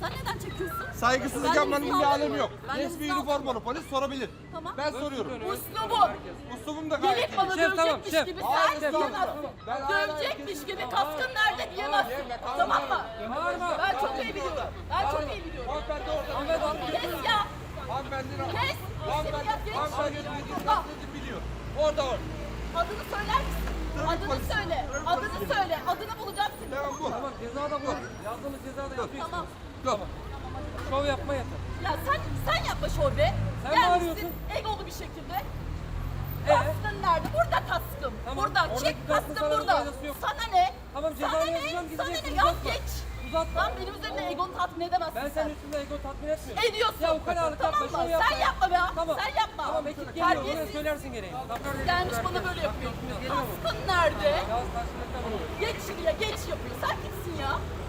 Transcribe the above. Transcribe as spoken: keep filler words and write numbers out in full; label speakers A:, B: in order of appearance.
A: Sen neden çekiyorsun?
B: Saygısızlık
A: Ben de
B: yapmanın bir
A: hızlı
B: alemi
A: alıyorum.
B: yok.
A: Ben de
B: Resmi
A: hızlı
B: üniformalı polis sorabilir.
A: Tamam.
B: Ben soruyorum.
A: Uslubu.
B: Uslubum da gayet
A: Gelip
B: iyi.
A: bana
C: Şef, tamam,
A: dövecekmiş
C: şef.
A: gibi
B: Hayır,
A: sen
B: şef, tamam.
A: diyemezsin.
B: Ben hala
A: Dövecekmiş
B: herkesin-
A: gibi kaskın nerede diyemezsin. Tamam mı?
C: Bağırma.
A: Ben çok iyi biliyorum. Ben çok iyi biliyorum.
B: Hanımefendi orada.
C: Hanımefendi.
A: Kes ya.
B: Hanımefendi
A: Kes.
B: Hanımefendi.
A: Ya, geç.
B: Hanımefendi dediğiniz
A: Ah.
B: dediğini biliyor. Orada orada.
A: Adını söyler misin?
B: Trafik
A: Adını
B: polisi.
A: söyle.
B: Trafik
A: Adını
B: polisi.
A: söyle. Adını bulacağım seni.
B: Tamam bu.
C: Tamam ceza da bu. Yazdığımız ceza da yapıyorsun.
A: Tamam.
B: Yok.
C: Şov yapma yeter.
A: Ya sen sen yapma şov be.
C: Sen
A: Gelmişsin
C: bağırıyorsun.
A: egolu bir şekilde.
C: Ee?
A: Kaskın nerede? Burada kaskım.
C: Tamam,
A: Burada.
C: oradaki
A: Çek
C: kaskın
A: kaskım
C: sana bir
A: burada.
C: faydası yok.
A: Sana ne?
C: Tamam,
A: Sana
C: cezanı
A: ne?
C: yazacağım,
A: Sana ne?
C: gideceksin,
A: Yaz
C: uzatma.
A: geç.
C: Uzatma.
A: Lan benim üzerinde egonu tatmin edemezsin
C: Ben
A: sen.
C: senin üstünde ego tatmin etmiyorum.
A: Ediyorsun.
C: Ya ukalalık
A: Tamam
C: yapma,
A: mı?
C: şov yapma.
A: Sen yapma be.
C: Tamam.
A: Sen yapma.
C: Tamam ekip geliyor, ona
A: Terbiyesiz.
C: söylersin gereğini. Tamam.
A: Gelmiş bana böyle yapıyor.
C: Geliyor mu?
A: Kaskın nerede?
C: Yaz karşılıklı bunu.
A: Geç şuraya geç yapıyor. Sen kimsin ya?